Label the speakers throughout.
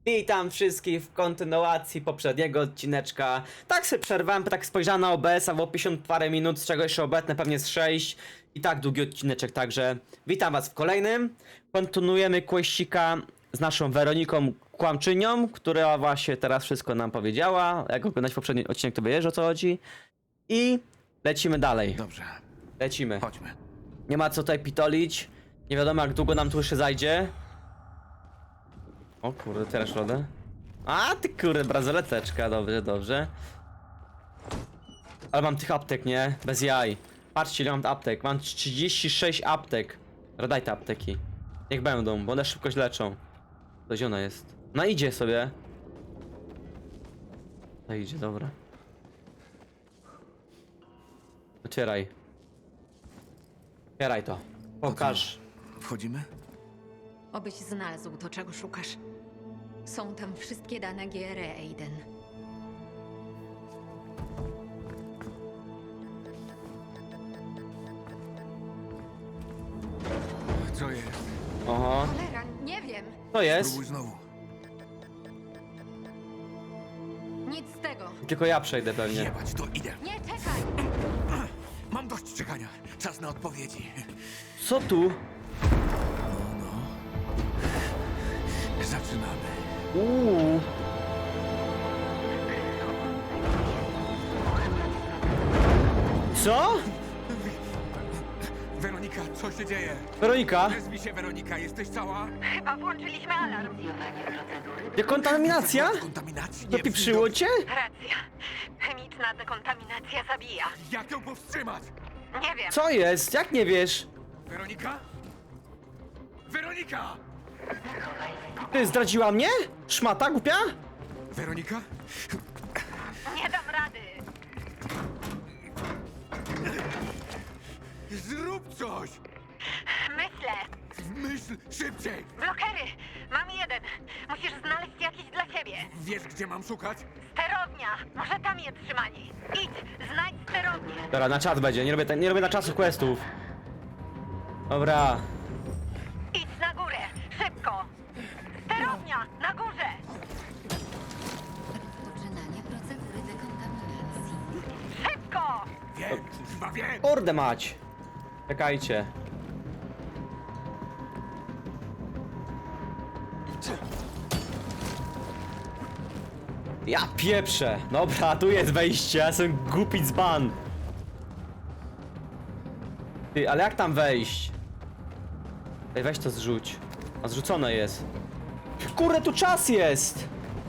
Speaker 1: Witam wszystkich w kontynuacji poprzedniego odcineczka. Tak sobie przerwałem, tak spojrzałem na OBS-a, było 50 parę minut, z czego jeszcze obecne pewnie z 6. I tak długi odcineczek, także witam was w kolejnym. Kontynuujemy questika z naszą Weroniką Kłamczynią, która właśnie teraz wszystko nam powiedziała. Jak oglądać poprzedni odcinek, to wiesz, o co chodzi. I lecimy dalej.
Speaker 2: Dobrze,
Speaker 1: Lecimy.
Speaker 2: chodźmy.
Speaker 1: Nie ma co tutaj pitolić. Nie wiadomo, jak długo nam tu jeszcze zajdzie. O kurde, teraz środę. A ty kurde, bransoleteczka, dobrze, dobrze. Ale mam tych aptek, nie? Bez jaj. Patrzcie, ile mam aptek. Mam 36 aptek. Daj te apteki. Niech będą, bo one szybko się leczą. To gdzie ona jest? No idzie sobie. No idzie, dobra. Otwieraj. Otwieraj to. Pokaż.
Speaker 2: Wchodzimy?
Speaker 3: Obyś znalazł to, czego szukasz. Są tam wszystkie dane GRE, Aiden.
Speaker 2: Co jest?
Speaker 1: Oho.
Speaker 3: Cholera, nie wiem!
Speaker 1: To jest.
Speaker 2: Spróbuj znowu.
Speaker 3: Nic z tego!
Speaker 1: Tylko ja przejdę pewnie.
Speaker 2: Jebać, to idę.
Speaker 3: Nie, czekaj!
Speaker 2: Mam dość czekania. Czas na odpowiedzi.
Speaker 1: Co tu?
Speaker 2: Zaczynamy.
Speaker 1: Co?
Speaker 2: Weronika, co się dzieje?
Speaker 1: Weronika?
Speaker 2: Nazwij się Weronika, jesteś cała?
Speaker 3: Chyba włączyliśmy alarm.
Speaker 1: Dekontaminacja?
Speaker 2: Kontaminacji? Nie
Speaker 1: Dopieprzyło cię?
Speaker 3: Racja. Chemiczna dekontaminacja zabija.
Speaker 2: Jak ją powstrzymać?
Speaker 3: Nie wiem.
Speaker 1: Co jest? Jak nie wiesz?
Speaker 2: Weronika? Weronika!
Speaker 1: Ty zdradziła mnie? Szmata głupia?
Speaker 2: Weronika?
Speaker 3: Nie dam rady.
Speaker 2: Zrób coś!
Speaker 3: Myślę.
Speaker 2: Myśl szybciej!
Speaker 3: Blokery. Mam jeden. Musisz znaleźć jakiś dla siebie.
Speaker 2: Wiesz, gdzie mam szukać?
Speaker 3: Sterownia. Może tam je trzymali. Idź, znajdź sterownię.
Speaker 1: Dobra, na czas będzie, nie robię na czasu questów. Dobra.
Speaker 3: Idź na górę. Szybko. Sterownia. Na górze.
Speaker 4: Poczynanie procedury dekontaminacji.
Speaker 3: Szybko.
Speaker 2: Wiem, chyba wiem!
Speaker 1: Kurde mać. Czekajcie. Ja pieprzę. Dobra, tu jest wejście, ja jestem głupi dzban. Ty, ale jak tam wejść? Ej, weź to zrzuć. A zrzucone jest. Kurde, tu czas jest!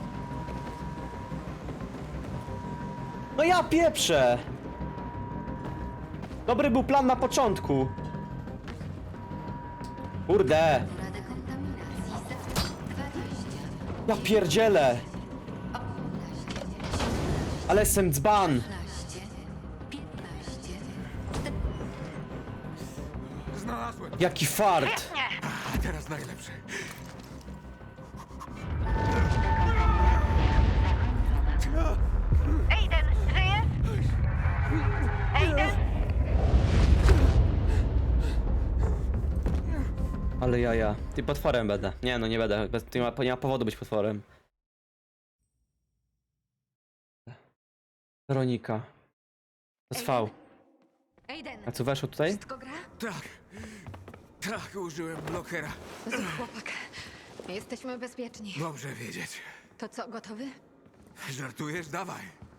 Speaker 1: No ja pieprzę! Dobry był plan na początku. Kurde.
Speaker 4: Procedura dekontaminacji sektor 20.
Speaker 1: Ja pierdzielę.
Speaker 4: 18.
Speaker 1: Ale jestem dzban.
Speaker 4: 16. 15.
Speaker 2: Znalazłem!
Speaker 1: Jaki fart.
Speaker 3: Nie.
Speaker 2: A teraz najlepsze.
Speaker 3: Aiden, żyjesz? Aiden?
Speaker 1: Ale jaja. Ty potworem będę. Nie no, nie będę. Nie ma powodu być potworem. Weronika. To jest V.
Speaker 3: Aiden,
Speaker 1: A co weszło tutaj?
Speaker 3: wszystko gra?
Speaker 2: Tak. Tak, użyłem blokera.
Speaker 3: Zły chłopak. Jesteśmy bezpieczni.
Speaker 2: Dobrze wiedzieć.
Speaker 3: To co, gotowy?
Speaker 2: Żartujesz? Dawaj.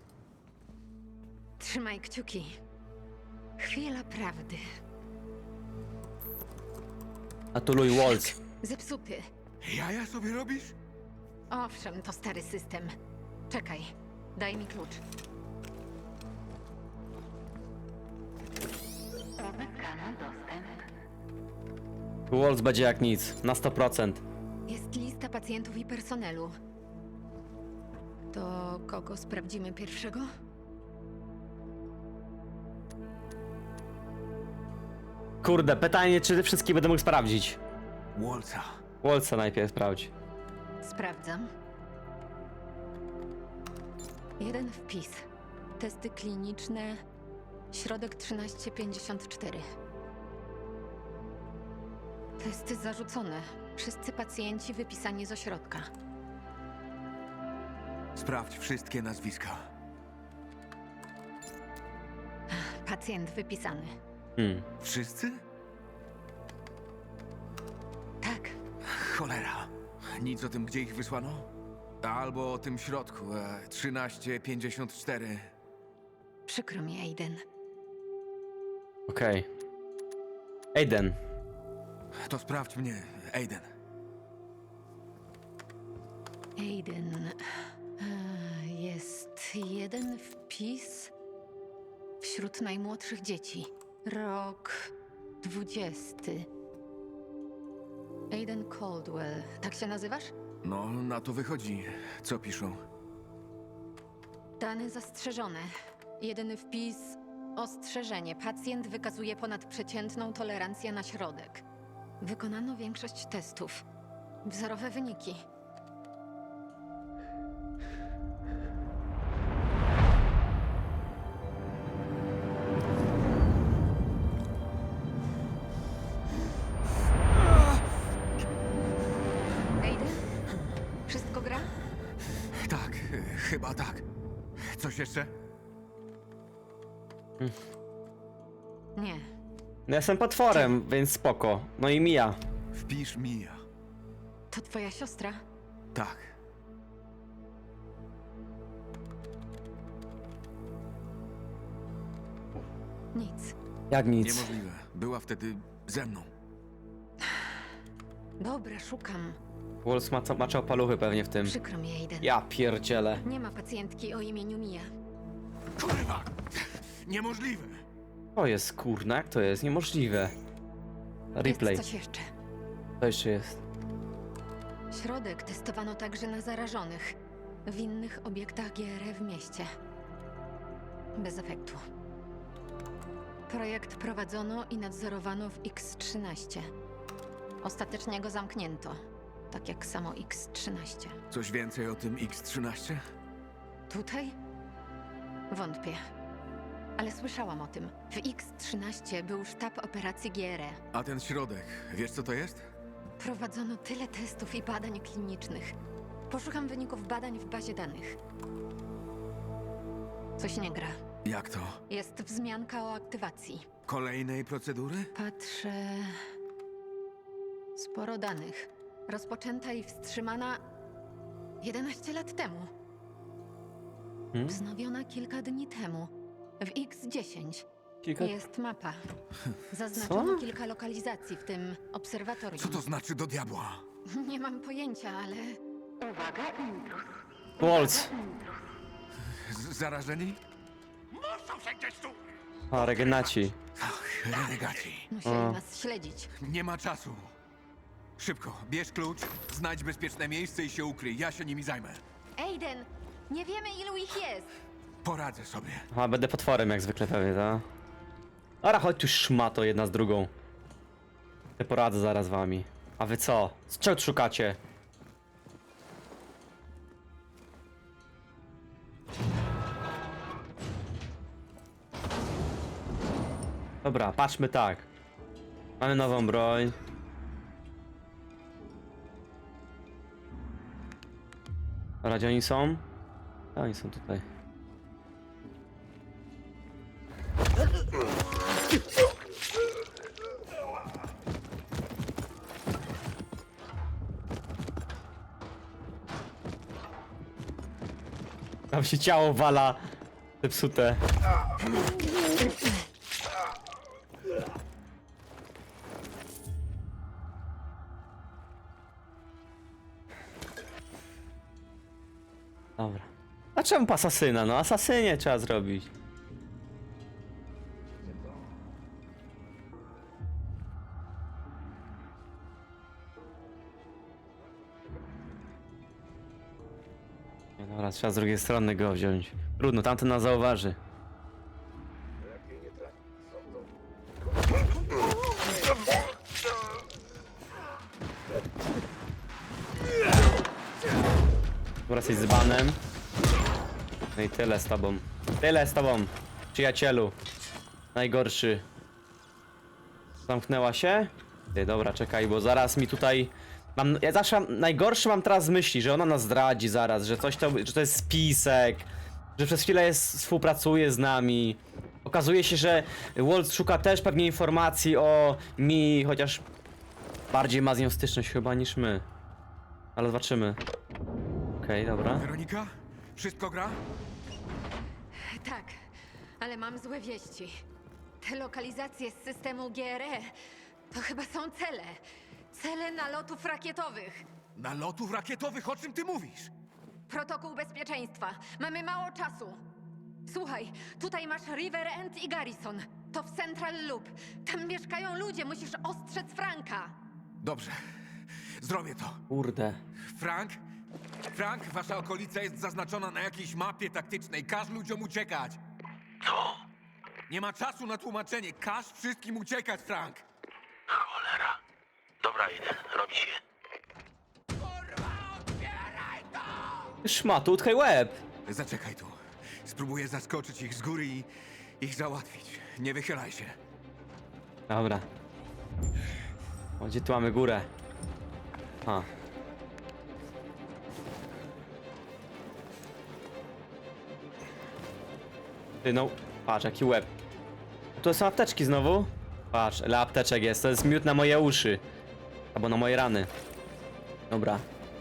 Speaker 3: Trzymaj kciuki. Chwila prawdy.
Speaker 1: Atuluj Waltz.
Speaker 3: Zepsuty.
Speaker 2: Jaja sobie robisz?
Speaker 3: Owszem, to stary system. Czekaj, daj mi klucz.
Speaker 4: Uzyskano dostęp.
Speaker 1: Waltz będzie jak nic. Na 100%.
Speaker 3: Jest lista pacjentów i personelu. To kogo sprawdzimy pierwszego?
Speaker 1: Kurde, pytanie, czy wszystkie będę mógł sprawdzić.
Speaker 2: Walca.
Speaker 1: Waltza najpierw sprawdź.
Speaker 3: Sprawdzam. Jeden wpis. Testy kliniczne. Środek 1354. Testy zarzucone. Wszyscy pacjenci wypisani z ośrodka.
Speaker 2: Sprawdź wszystkie nazwiska.
Speaker 3: Pacjent wypisany.
Speaker 2: Wszyscy?
Speaker 3: Tak.
Speaker 2: Cholera. Nic o tym, gdzie ich wysłano? Albo o tym środku, 1354.
Speaker 3: Przykro mi, Aiden.
Speaker 1: Okej. Aiden.
Speaker 2: To sprawdź mnie, Aiden.
Speaker 3: Aiden. Jest jeden wpis wśród najmłodszych dzieci. Rok 20. Aiden Caldwell. Tak się nazywasz?
Speaker 2: No, na to wychodzi. Co piszą?
Speaker 3: Dane zastrzeżone. Jedyny wpis. Ostrzeżenie. Pacjent wykazuje ponadprzeciętną tolerancję na środek. Wykonano większość testów. Wzorowe wyniki. Aiden? Wszystko gra?
Speaker 2: Tak, chyba tak. Coś jeszcze?
Speaker 3: Nie.
Speaker 1: No jestem potworem, więc spoko. No i Mia.
Speaker 2: Wpisz Mia.
Speaker 3: To twoja siostra?
Speaker 2: Tak.
Speaker 3: Nic.
Speaker 1: Jak nic.
Speaker 2: Niemożliwe. Była wtedy ze mną.
Speaker 3: Dobra, szukam.
Speaker 1: Wolf maczał paluchy pewnie w tym.
Speaker 3: Przykro mi, Aiden.
Speaker 1: Ja pierdzielę.
Speaker 3: Nie ma pacjentki o imieniu Mia.
Speaker 2: Kurwa! Niemożliwe!
Speaker 1: To jest kurna, jak to jest? Niemożliwe. Replay.
Speaker 3: Jest coś jeszcze.
Speaker 1: To jeszcze jest.
Speaker 3: Środek testowano także na zarażonych w innych obiektach GR w mieście. Bez efektu. Projekt prowadzono i nadzorowano w X-13. Ostatecznie go zamknięto, tak jak samo X-13.
Speaker 2: Coś więcej o tym X-13?
Speaker 3: Tutaj? Wątpię. Ale słyszałam o tym. W X-13 był sztab operacji GR.
Speaker 2: A ten środek, wiesz co to jest?
Speaker 3: Prowadzono tyle testów i badań klinicznych. Poszukam wyników badań w bazie danych. Coś nie gra.
Speaker 2: Jak to?
Speaker 3: Jest wzmianka o aktywacji.
Speaker 2: Kolejnej procedury?
Speaker 3: Patrzę. Sporo danych. Rozpoczęta i wstrzymana 11 lat temu. Wznowiona kilka dni temu. W X10 jest mapa. Zaznaczono kilka lokalizacji, w tym obserwatorium.
Speaker 2: Co to znaczy do diabła?
Speaker 3: Nie mam pojęcia, ale
Speaker 4: Uwaga, intruz.
Speaker 1: Waltz.
Speaker 2: Zarażeni?
Speaker 1: A, regenaci.
Speaker 2: Ach, renegaci.
Speaker 3: musieli nas śledzić.
Speaker 2: Nie ma czasu. Szybko, bierz klucz, znajdź bezpieczne miejsce i się ukryj. Ja się nimi zajmę.
Speaker 3: Aiden, nie wiemy ilu ich jest.
Speaker 2: Poradzę sobie.
Speaker 1: A, będę potworem jak zwykle pewnie, tak? Ara, chodź tu szmato jedna z drugą. Ja poradzę zaraz wami. A wy co? Z czego szukacie? Dobra, patrzmy tak. Mamy nową broń. Dobra, gdzie oni są? A, oni są tutaj. Tam się ciało wala. Zepsute. Dobra. A czemu po asasyna? No asasynie trzeba zrobić. Nie, dobra, trzeba z drugiej strony go wziąć. Trudno, tamten nas zauważy. Dobra, jesteś z banem. No i tyle z tobą. Tyle z tobą, przyjacielu. Najgorszy. Zamknęła się? Ty, dobra, czekaj, bo zaraz mi tutaj Ja zawsze najgorsze mam teraz myśli, że ona nas zdradzi zaraz, że że to jest spisek, że przez chwilę współpracuje z nami. Okazuje się, że Walt szuka też pewnie informacji o Mi, chociaż bardziej ma z nią styczność chyba niż my. Ale zobaczymy. Okej, dobra.
Speaker 2: Weronika? Wszystko gra?
Speaker 3: Tak, ale mam złe wieści. Te lokalizacje z systemu GRE to chyba są cele. Cele nalotów rakietowych.
Speaker 2: Nalotów rakietowych, o czym ty mówisz?
Speaker 3: Protokół bezpieczeństwa. Mamy mało czasu. Słuchaj, tutaj masz River End i Garrison. To w Central Loop. Tam mieszkają ludzie, musisz ostrzec Franka.
Speaker 2: Dobrze, zrobię to.
Speaker 1: Kurde.
Speaker 2: Frank, wasza okolica jest zaznaczona na jakiejś mapie taktycznej. Każ ludziom uciekać.
Speaker 5: Co?
Speaker 2: Nie ma czasu na tłumaczenie. Każ wszystkim uciekać, Frank.
Speaker 5: Cholera. Dobra, jeden, robi się.
Speaker 1: Szmatu, utkaj łeb.
Speaker 2: Zaczekaj tu. Spróbuję zaskoczyć ich z góry i ich załatwić. Nie wychylaj się.
Speaker 1: Dobra. O, gdzie tu mamy górę? A. Ty no, patrz jaki łeb. Tu są apteczki znowu? Patrz, ile apteczek jest, to jest miód na moje uszy. Albo na moje rany. Dobra.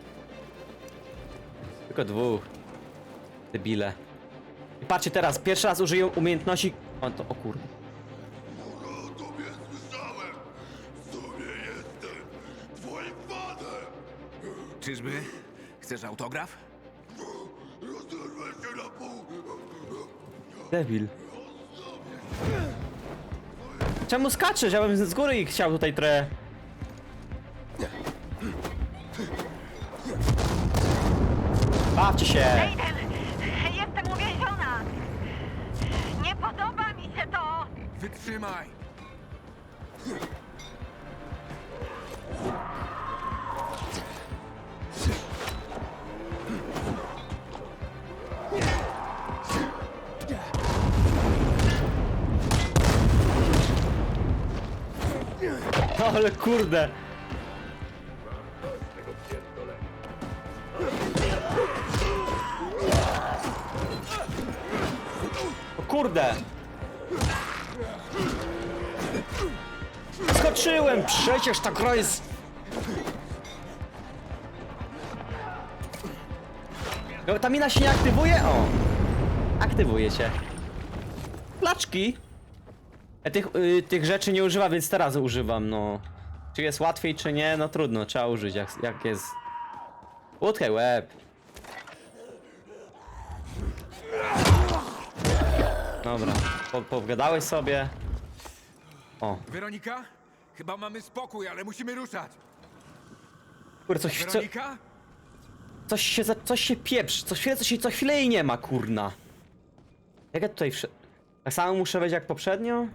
Speaker 1: Tylko dwóch. Debile. I patrzcie teraz, pierwszy raz użyję umiejętności... O kurde.
Speaker 6: O tobie słyszałem! W sumie jestem twoim fanem!
Speaker 2: Czyżby? Chcesz autograf?
Speaker 6: Rozerwę się na pół!
Speaker 1: Debil. Czemu skaczesz? Ja bym z góry ich chciał tutaj trochę... Bawcie się!
Speaker 4: Aiden, jestem uwięziona! Nie podoba mi się to!
Speaker 2: Wytrzymaj!
Speaker 1: Ale kurde! O kurde! Skoczyłem! Przecież ta gra jest... No, ta mina się nie aktywuje? O! Aktywuje się. Placzki! Ja tych rzeczy nie używam, więc teraz używam, no. Czy jest łatwiej, czy nie? No trudno, trzeba użyć, jak jest. Utkaj łeb. Dobra, pogadałeś sobie. O,
Speaker 2: Weronika? Chyba mamy spokój, ale musimy ruszać.
Speaker 1: kurde,
Speaker 2: Weronika?
Speaker 1: coś się pieprzy, co chwilę jej nie ma, kurna. Jak ja tutaj tak samo muszę wejść jak poprzednio?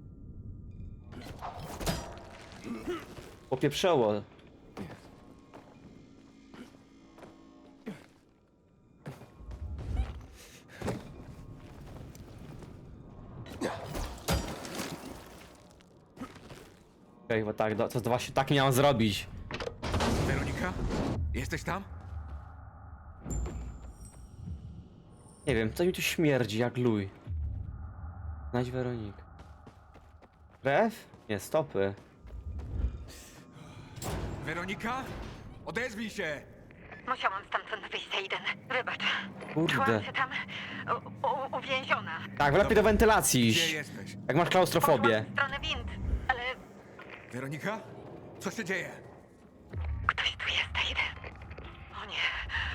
Speaker 1: Popieprzało. Okej, bo tak, to właśnie tak miałem zrobić.
Speaker 2: Weronika? Jesteś tam?
Speaker 1: Nie wiem, co mi tu śmierdzi jak luj. Znajdź Weronik. Krew? Nie, stopy.
Speaker 2: Weronika? Odezwij się!
Speaker 4: Musiałam stamtąd wyjść, Aiden. Wybacz.
Speaker 1: Kurde.
Speaker 4: Czułam się tam uwięziona.
Speaker 1: Tak, wlepiej do wentylacji
Speaker 2: Gdzie
Speaker 1: iść.
Speaker 2: jesteś?
Speaker 1: Jak masz klaustrofobię.
Speaker 4: Poszłam w stronę wind, ale
Speaker 2: Weronika? Co się dzieje?
Speaker 4: ktoś tu jest, Aiden. O nie.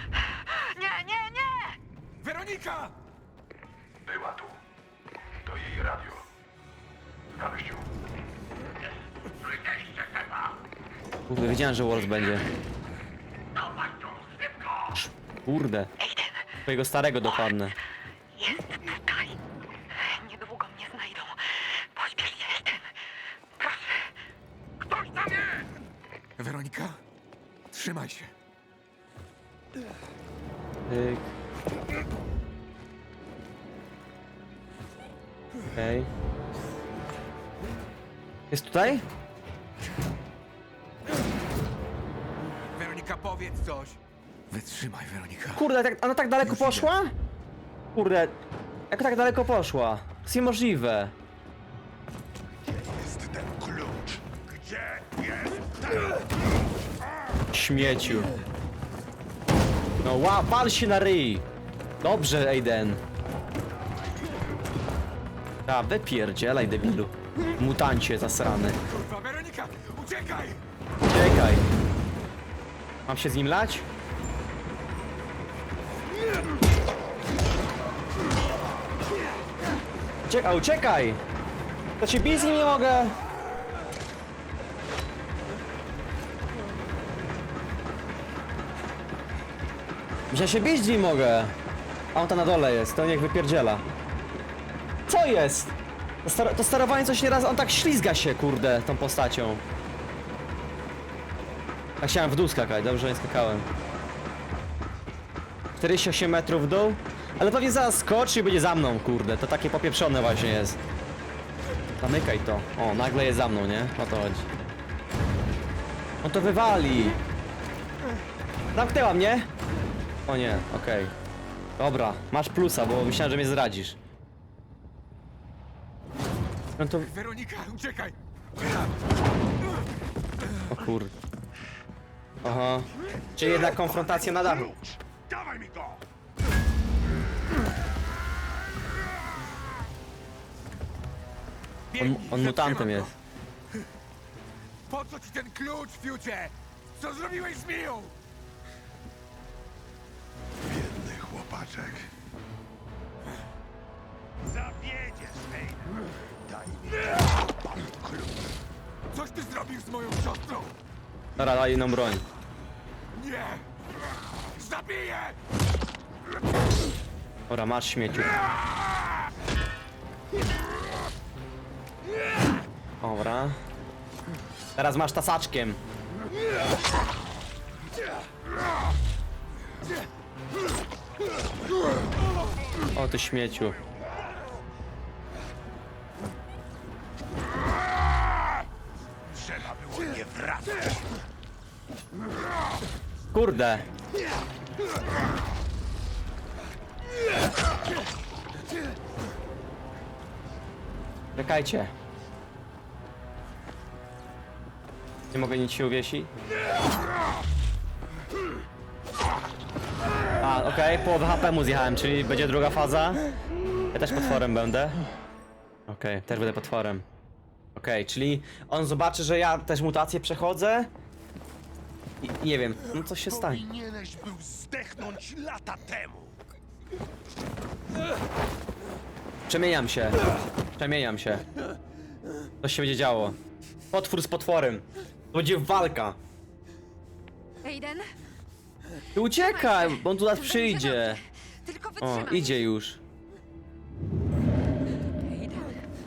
Speaker 4: Nie!
Speaker 2: Weronika!
Speaker 6: Była tu. To jej radio. Znaleźć ją. Wyjście chyba!
Speaker 1: Kurde, wiedziałem, że Wars będzie.
Speaker 6: Dawaj tu, szybko!
Speaker 1: Kurde.
Speaker 4: Aiden,
Speaker 1: Twojego starego dokładnie.
Speaker 4: jest tutaj. Niedługo mnie znajdą. Pośpiesz się, Aiden. Proszę.
Speaker 6: Ktoś tam jest!
Speaker 2: Weronika? Trzymaj się.
Speaker 1: Tyk. Okej. Jest tutaj?
Speaker 2: coś. Wytrzymaj, Weronika.
Speaker 1: Kurde, ona tak daleko
Speaker 2: Już idę.
Speaker 1: poszła? Kurde, jak tak daleko poszła? To jest niemożliwe.
Speaker 6: Jest ten klucz. Gdzie jest
Speaker 1: Śmieciu. No pal się na ryj. Dobrze, Aiden. A, wypierdzielaj, debilu. Mutancie zasrany.
Speaker 2: Kurwa, Weronika, uciekaj!
Speaker 1: Uciekaj. Mam się z nim lać? Uciekaj! To się bić z nim nie mogę! Że się bić z nim mogę! A on tam na dole jest, to niech wypierdziela. Co jest? To sterowanie coś nieraz, on tak ślizga się, kurde, tą postacią. Ja chciałem w dół skakać, dobrze, że nie skakałem. 48 metrów w dół? Ale pewnie zaraz skoczy i będzie za mną, kurde. To takie popieprzone właśnie jest. Zamykaj to. O, nagle jest za mną, nie? O to chodzi. On to wywali. Zamknęła mnie? O nie, okej. Dobra, masz plusa, bo myślałem, że mnie zdradzisz. No to...
Speaker 2: Weronika, uciekaj!
Speaker 1: O kurde. Aha. Czyli jednak konfrontacja na dachu.
Speaker 6: klucz? Dawaj mi go!
Speaker 2: Biegnij,
Speaker 1: On mutantem
Speaker 2: zatrzymam
Speaker 1: jest.
Speaker 2: go. Po co ci ten klucz, Fiucie? Co zrobiłeś z Miją?
Speaker 6: Biedny chłopaczek. Zawiedziesz, Aiden. Daj mi klucz.
Speaker 2: Coś ty zrobił z moją siostrą?
Speaker 1: Dobra, daj inną broń.
Speaker 2: Nie! Zabiję!
Speaker 1: Dobra, masz śmieciu. Dobra. Teraz masz tasaczkiem. O ty śmieciu.
Speaker 6: Trzeba było nie wracać.
Speaker 1: Kurde. Czekajcie. Nie mogę nic się uwiesić. A, okej, połowę HP mu zjechałem, czyli będzie druga faza. Ja też potworem będę. Okej, też będę potworem. Okej, czyli on zobaczy, że ja też mutację przechodzę. I nie wiem, no coś się stanie.
Speaker 6: Powinieneś był zdechnąć lata temu.
Speaker 1: Przemieniam się. Przemieniam się. Coś się będzie działo. Potwór z potworem. To będzie walka.
Speaker 3: Aiden?
Speaker 1: Ty uciekaj, bo on tu nas przyjdzie.
Speaker 3: Tylko
Speaker 1: O,
Speaker 3: wytrzymaj.
Speaker 1: idzie już.
Speaker 3: Aiden.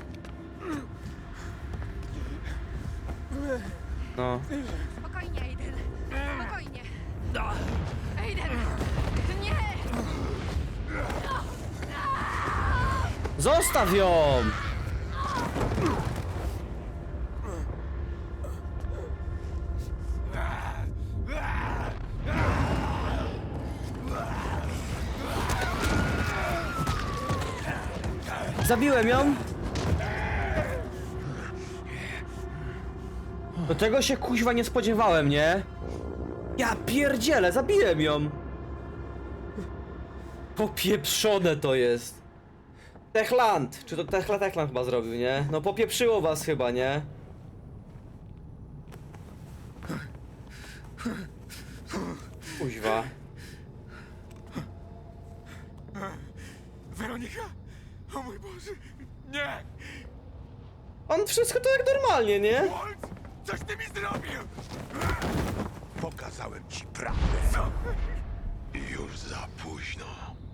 Speaker 1: No.
Speaker 3: Spokojnie, Aiden. Spokojnie. Aiden! Nie!
Speaker 1: Zostaw ją! Zabiłem ją? Do tego się kuźwa nie spodziewałem, nie? Ja pierdzielę, zabiłem ją! Popieprzone to jest. Techland! Czy to Techland chyba zrobił, nie? No popieprzyło was chyba, nie? Kuźwa.
Speaker 2: Weronika? O mój Boże! Nie!
Speaker 1: On wszystko to jak normalnie, nie?
Speaker 2: Walt! Coś ty mi zrobił!
Speaker 6: Pokazałem ci prawdę.
Speaker 2: Co?
Speaker 6: Już za późno.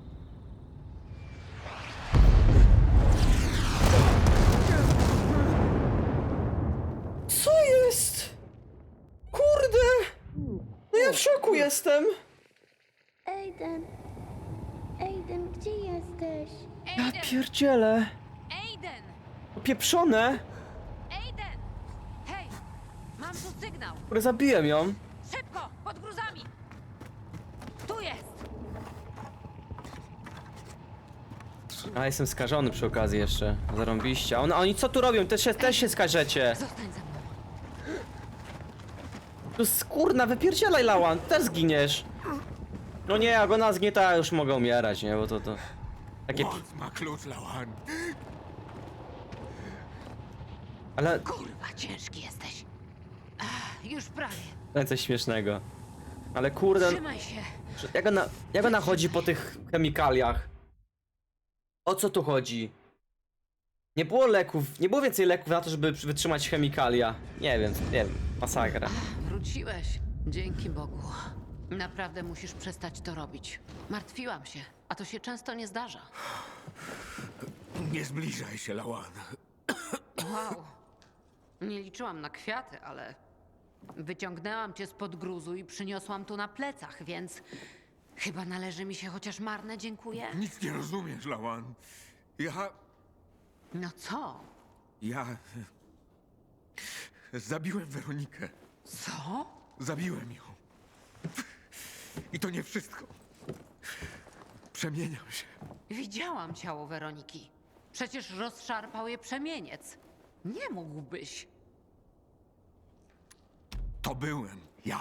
Speaker 1: Co jest? Kurde! No ja w szoku jestem.
Speaker 7: Aiden! Aiden, gdzie jesteś?
Speaker 1: Ja pierdzielę.
Speaker 3: Aiden!
Speaker 1: Popieprzone.
Speaker 3: Aiden! Hej! Mam tu sygnał!
Speaker 1: Kurde, zabiłem ją.
Speaker 3: Szybko! Pod gruzami!
Speaker 1: A jestem skażony przy okazji jeszcze. Zarąbiście. A oni co tu robią? Też się skażecie.
Speaker 3: Zostań ze mną.
Speaker 1: Tu skurna, wypierdzielaj, Lawan, też zginiesz. No nie, jak ona zgnieta, już mogę umierać, nie? Bo to... Takie...
Speaker 2: Walt ma klucz, Lawan.
Speaker 1: Ale...
Speaker 3: Kurwa, ciężki jesteś. Już prawie.
Speaker 1: Coś śmiesznego. Ale kurde...
Speaker 3: Trzymaj się.
Speaker 1: Jak ona chodzi po tych chemikaliach? O co tu chodzi? Nie było leków, nie było więcej leków na to, żeby wytrzymać chemikalia. Nie wiem, masakra.
Speaker 3: Wróciłeś. Dzięki Bogu. Naprawdę musisz przestać to robić. Martwiłam się, a to się często nie zdarza.
Speaker 2: Nie zbliżaj się, Lawan.
Speaker 3: Wow. Nie liczyłam na kwiaty, ale wyciągnęłam cię spod gruzu i przyniosłam tu na plecach, więc chyba należy mi się chociaż marne dziękuję.
Speaker 2: Nic nie rozumiesz, Lawan.
Speaker 3: No co?
Speaker 2: Ja... Zabiłem Weronikę.
Speaker 3: Co?
Speaker 2: Zabiłem ją. I to nie wszystko. Przemieniam się.
Speaker 3: Widziałam ciało Weroniki. Przecież rozszarpał je przemieniec. Nie mógłbyś.
Speaker 2: To byłem ja.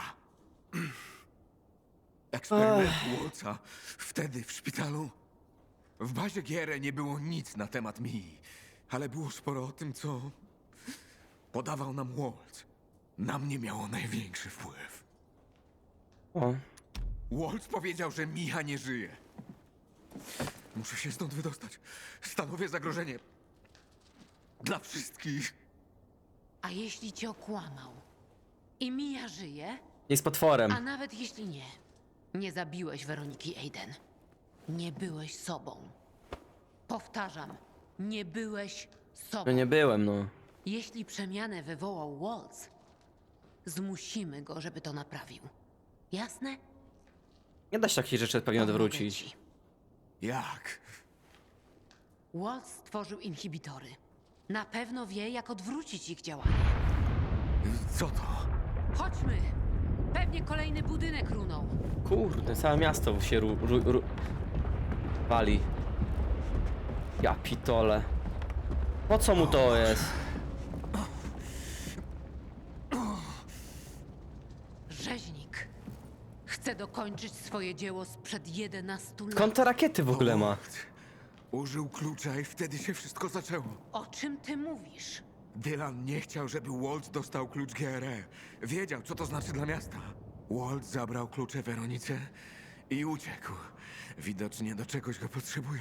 Speaker 2: Eksperyment Waltza. Wtedy w szpitalu. W bazie GR nie było nic na temat Mii, ale było sporo o tym, co podawał nam Waltz. Na mnie miało największy wpływ.
Speaker 1: O.
Speaker 2: Waltz powiedział, że Micha nie żyje. Muszę się stąd wydostać. Stanowię zagrożenie. Dla wszystkich.
Speaker 3: A jeśli cię okłamał? I Mia żyje?
Speaker 1: Jest potworem.
Speaker 3: A nawet jeśli nie, nie zabiłeś Weroniki Aiden. Nie byłeś sobą. Powtarzam, nie byłeś sobą.
Speaker 1: No nie byłem, no.
Speaker 3: Jeśli przemianę wywołał Waltz, zmusimy go, żeby to naprawił. Jasne?
Speaker 1: Nie da się takich rzeczy pewnie
Speaker 3: Pomogę
Speaker 1: odwrócić.
Speaker 3: ci.
Speaker 2: Jak?
Speaker 3: Waltz stworzył inhibitory. Na pewno wie, jak odwrócić ich działanie.
Speaker 2: Co to?
Speaker 3: Chodźmy! Pewnie kolejny budynek runął.
Speaker 1: Kurde, całe miasto się wali. Ja pitole. Po co mu to jest?
Speaker 3: Rzeźnik. Chce dokończyć swoje dzieło sprzed 11 lat.
Speaker 1: Skąd te rakiety w ogóle ma?
Speaker 2: Waltz użył klucza i wtedy się wszystko zaczęło.
Speaker 3: O czym ty mówisz?
Speaker 2: Dylan nie chciał, żeby Walt dostał klucz GRE. Wiedział, co to znaczy dla miasta. Walt zabrał klucze Weronice i uciekł. Widocznie do czegoś go potrzebuje.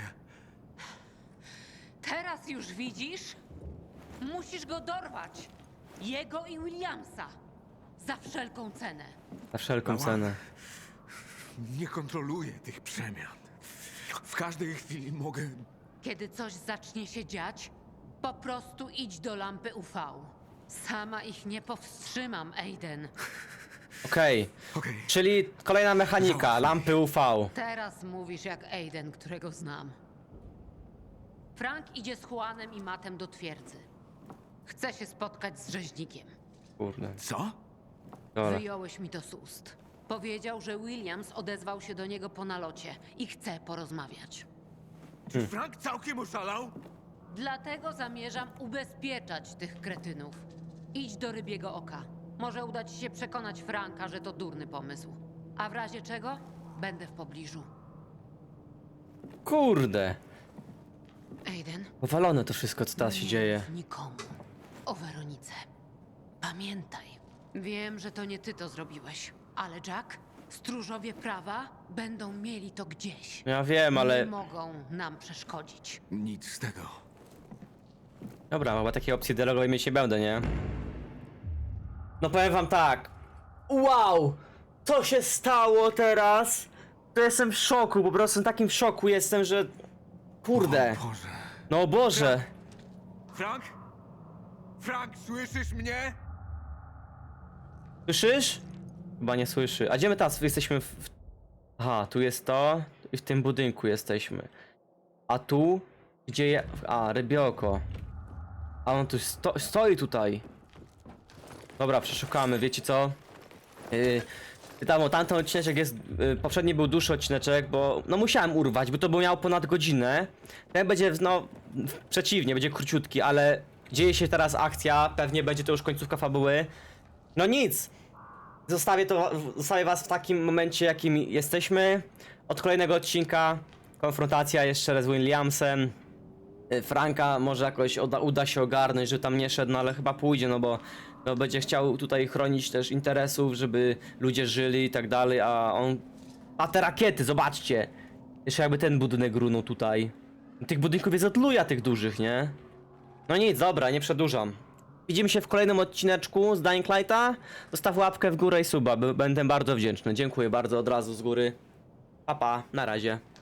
Speaker 3: Teraz już widzisz? Musisz go dorwać. Jego i Williamsa. Za wszelką cenę.
Speaker 1: Za wszelką cenę.
Speaker 2: Nie kontroluję tych przemian. W każdej chwili mogę...
Speaker 3: Kiedy coś zacznie się dziać, po prostu idź do lampy UV. Sama ich nie powstrzymam, Aiden.
Speaker 1: Okej.
Speaker 2: Okej.
Speaker 1: Czyli kolejna mechanika, lampy UV.
Speaker 3: Teraz mówisz jak Aiden, którego znam. Frank idzie z Juanem i Mattem do twierdzy. Chce się spotkać z rzeźnikiem.
Speaker 1: Kurde.
Speaker 2: Co?
Speaker 1: Dobra.
Speaker 3: Wyjąłeś mi to z ust. Powiedział, że Williams odezwał się do niego po nalocie i chce porozmawiać.
Speaker 2: Czy Frank całkiem oszalał?
Speaker 3: Dlatego zamierzam ubezpieczać tych kretynów. Idź do Rybiego Oka. Może uda ci się przekonać Franka, że to durny pomysł. A w razie czego? Będę w pobliżu.
Speaker 1: Kurde.
Speaker 3: Aiden,
Speaker 1: Powalone to wszystko, co teraz się
Speaker 3: nie
Speaker 1: dzieje.
Speaker 3: mów nikomu o Weronice. Pamiętaj, wiem, że to nie ty to zrobiłeś, ale Jack, stróżowie prawa będą mieli to gdzieś.
Speaker 1: Ja wiem, ale...
Speaker 3: Nie mogą nam przeszkodzić.
Speaker 2: Nic z tego.
Speaker 1: Dobra, chyba takiej opcji dialogowej mieć nie będę, nie? No powiem wam tak. Wow! Co się stało teraz? To jestem w szoku, po prostu w takim szoku jestem, że... Kurde.
Speaker 2: O Boże.
Speaker 1: No Boże.
Speaker 2: Frank? Frank, słyszysz mnie?
Speaker 1: Słyszysz? Chyba nie słyszy. A gdzie my teraz jesteśmy Aha, tu jest to i w tym budynku jesteśmy. A tu? Gdzie je... A, rybioko. A on tu stoi tutaj. Dobra, przeszukamy, wiecie co? Wiadomo, tamten odcineczek jest, poprzedni był dłuższy odcineczek, bo no musiałem urwać, bo to by miał ponad godzinę. Ten będzie, no, przeciwnie, będzie króciutki, ale dzieje się teraz akcja, pewnie będzie to już końcówka fabuły. No nic! Zostawię was w takim momencie, jakim jesteśmy. Od kolejnego odcinka konfrontacja jeszcze raz z Williamsem. Franka może jakoś uda się ogarnąć, że tam nie szedł, no ale chyba pójdzie, no bo no, będzie chciał tutaj chronić też interesów, żeby ludzie żyli i tak dalej, a on... A te rakiety, zobaczcie! Jeszcze jakby ten budynek runął tutaj. Tych budynków jest od luja tych dużych, nie? No nic, dobra, nie przedłużam. Widzimy się w kolejnym odcineczku z Dying Lighta. Zostaw łapkę w górę i suba, będę bardzo wdzięczny. Dziękuję bardzo od razu z góry. Pa, pa, na razie.